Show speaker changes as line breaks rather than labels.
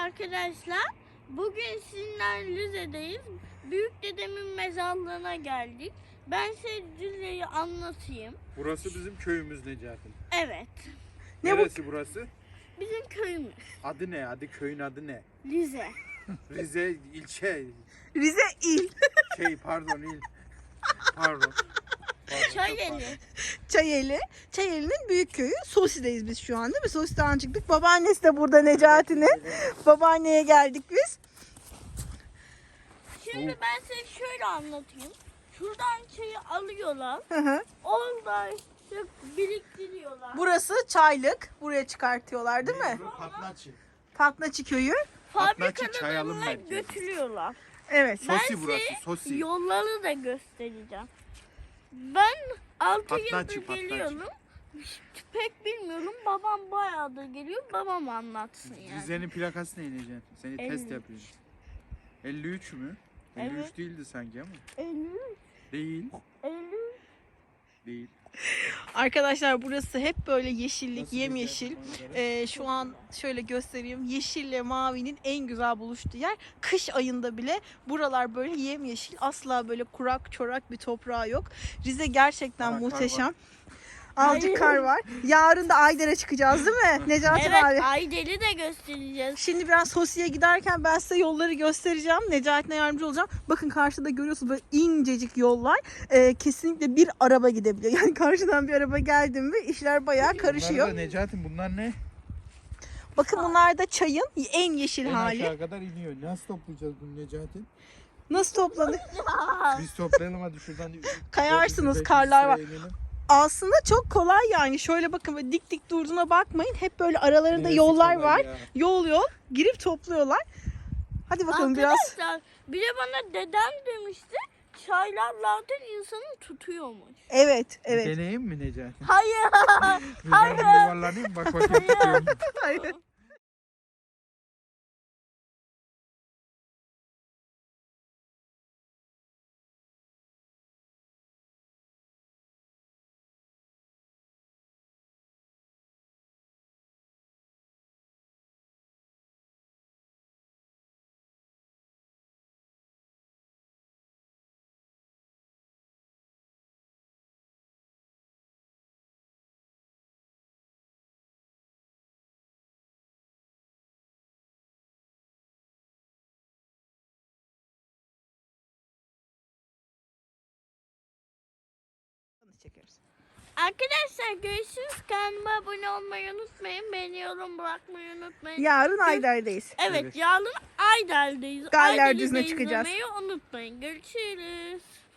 arkadaşlar. Bugün sizinle Rize'deyiz. Büyük dedemin mezarlığına geldik. Ben size Rize'yi anlatayım.
Burası bizim köyümüz Necati.
Evet.
Neresi burası?
Bizim köyümüz.
Adı ne? Köyün adı ne?
Rize.
Rize ilçe.
Rize il.
Pardon il. Pardon.
Çayeli.
Çayeli. Çayeli'nin büyük köyü. Sosi'deyiz biz şu an değil mi? Sosi'den çıktık. Babaannesi de burada Necati'nin. Babaanneye geldik biz.
Şimdi ben size şöyle anlatayım. Şuradan çayı alıyorlar.
Hı hı.
Orada işte biriktiriyorlar.
Burası çaylık. Buraya çıkartıyorlar değil mi?
Patlaçı.
Patlaçı köyü.
Çay alım
Fabrikalarına
merkezi.
götürüyorlar.
Evet.
Ben
Sosi burası,
size
sosi.
yolları da göstereceğim. Ben 6
Patlaçı,
yıldır
patlaçı.
geliyorum. Pek bilmiyorum. Babam bayağıdır geliyor. Babam anlatsın yani.
Rize'nin plakası ne Necati? Seni
53.
test yapıyorum. 53 mü? 53
Evet.
değildi sanki ama.
53,
Değil.
53.
Değil.
Arkadaşlar burası hep böyle yeşillik,
Nasıl
yemyeşil.
güzel
Şu an şöyle göstereyim. Yeşille mavinin en güzel buluştuğu yer. Kış ayında bile buralar böyle yemyeşil. Asla böyle kurak çorak bir toprağı yok. Rize gerçekten
Kar
muhteşem.
var.
Azıcık kar var. Yarın da Ayder'e çıkacağız değil mi Necati
Evet,
abi?
Aydel'i de göstereceğiz.
Şimdi biraz Sosi'ye giderken ben size yolları göstereceğim. Necati'ne yardımcı olacağım. Bakın karşıda görüyorsunuz böyle incecik yollar. Kesinlikle bir araba gidebiliyor. Yani karşıdan bir araba geldi mi işler bayağı karışıyor.
Bunlar da Necati bunlar ne?
Bakın bunlar da çayın en yeşil
En
hali.
aşağı kadar iniyor. Nasıl toplayacağız bunu Necati?
Nasıl toplanır?
Biz toplayalım hadi şuradan.
Kayarsınız,
400-500
karlar var.
sıraya inelim.
Aslında çok kolay yani. Şöyle bakın böyle dik dik durduğuna bakmayın. Hep böyle aralarında
Neresi
yollar
kolay
var.
ya?
Yol girip topluyorlar. Hadi bakalım biraz.
Arkadaşlar bir de bana dedem demişti. Çaylar zaten insanı tutuyormuş.
Evet, evet.
Deneyim mi Necati?
Hayır.
Ben bir yuvarlanayım bak bakayım tutuyorum.
Hayır. Çekiyoruz.
Arkadaşlar görüşürüz. Kanalıma abone olmayı unutmayın. Beni yorum bırakmayı unutmayın.
Yarın Ayder'deyiz.
Evet,
Evet.
yarın Ayder'deyiz.
Galler
Ayder'i
Düzü'ne
de
çıkacağız.
izlemeyi unutmayın. Görüşürüz.